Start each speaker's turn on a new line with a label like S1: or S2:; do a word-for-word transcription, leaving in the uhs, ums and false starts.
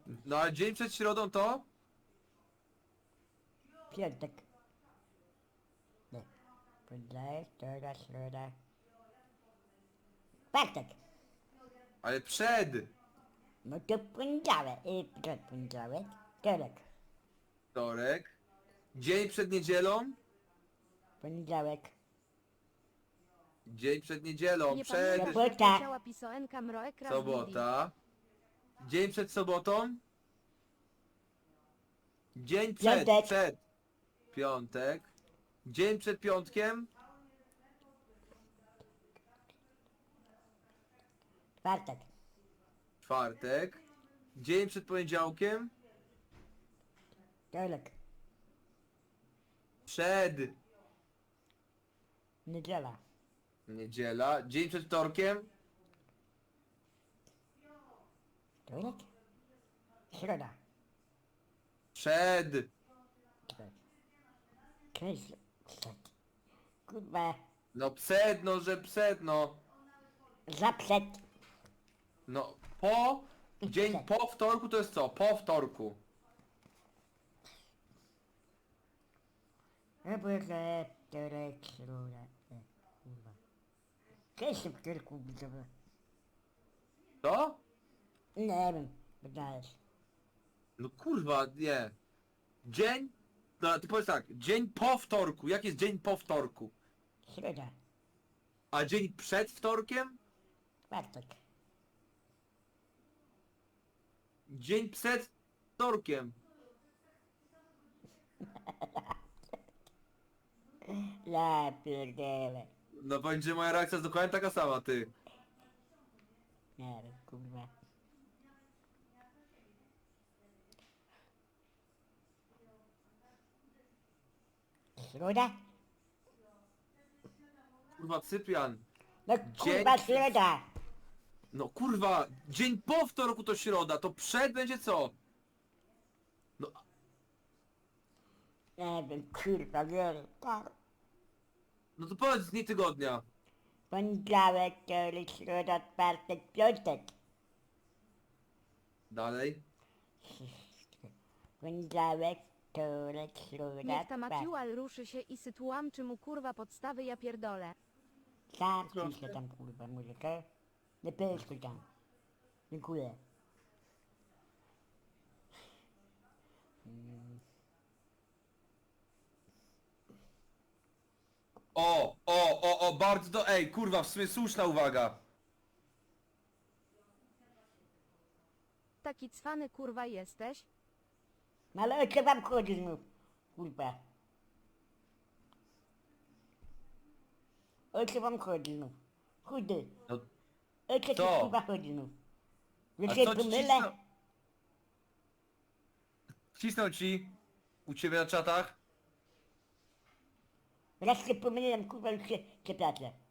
S1: No a dzień przed środą to?
S2: Piątek. Nie. Poniedziałek, wtorek, środa. Czwartek.
S1: Ale przed!
S2: No to poniedziałek. I przed poniedziałek. Wtorek.
S1: Wtorek. Dzień przed niedzielą?
S2: Poniedziałek.
S1: Dzień przed niedzielą,
S3: Nie
S1: przed...
S3: pamiętasz,
S2: Sobota.
S3: jak leciała pisoenka Mroekra z Didi?
S1: Sobota. Dzień przed sobotą? Dzień przed,
S2: Piątek.
S1: przed. Piątek. Dzień przed piątkiem?
S2: Czwartek.
S1: Czwartek. Dzień przed poniedziałkiem?
S2: Wtorek.
S1: Przed.
S2: Niedziela.
S1: Niedziela. Dzień przed wtorkiem?
S2: Wtorek. Środa.
S1: Przed.
S2: Czekaj. Cześć. Przed. Kurwa.
S1: No przed, no że przed, no.
S2: Za przed.
S1: No po. Dzień po wtorku to jest co? Po wtorku.
S2: No bo że wtorek, środa. E, kurwa. Cześć w wtorku, widzowie.
S1: Co?
S2: Nie wiem. Wydajesz.
S1: No kurwa, nie. Dzień? No ty powiedz tak, dzień po wtorku. Jak jest dzień po wtorku?
S2: Środa.
S1: A dzień przed wtorkiem?
S2: Czwartek.
S1: Dzień przed wtorkiem.
S2: Ja pierdolę.
S1: No powiem, że moja reakcja jest dokładnie taka sama, ty.
S2: Nie wiem, kurwa. Środa?
S1: Kurwa, Cyprian.
S2: No
S1: Dzień
S2: kurwa,
S1: przed-
S2: środa!
S1: No kurwa, dzień po wtorku to środa, to przed będzie co? No,
S2: Nie wiem, kurwa, nie wiem. Tak.
S1: no to powiedz dni tygodnia.
S2: Poniedziałek, wtorek, środa, czwartek, piątek.
S1: Dalej.
S2: Poniedziałek, wtorek, środa,
S3: Niech ta
S2: czwartek.
S3: Maciual ruszy się i sytuam czy mu kurwa podstawy ja pierdolę.
S2: Sam ciszę tam, kurwa, muzykę. Nie pyszkuj tam. Dziękuję.
S1: O, o, o, o, bardzo do... Ej, kurwa, w sumie słuszna uwaga.
S3: Taki cwany kurwa jesteś?
S2: No ale o co wam chodzi znów? Kurwa. O co wam chodzi znów? Chudy.
S1: No,
S2: O co ci
S1: Co?
S2: kurwa chodzi znów? Że
S1: a
S2: się
S1: co ci
S2: pomylę?
S1: cisnął? Cisnął ci? U ciebie na czatach?
S2: Raz się pomyliłem, kurwa, już się przepraszam.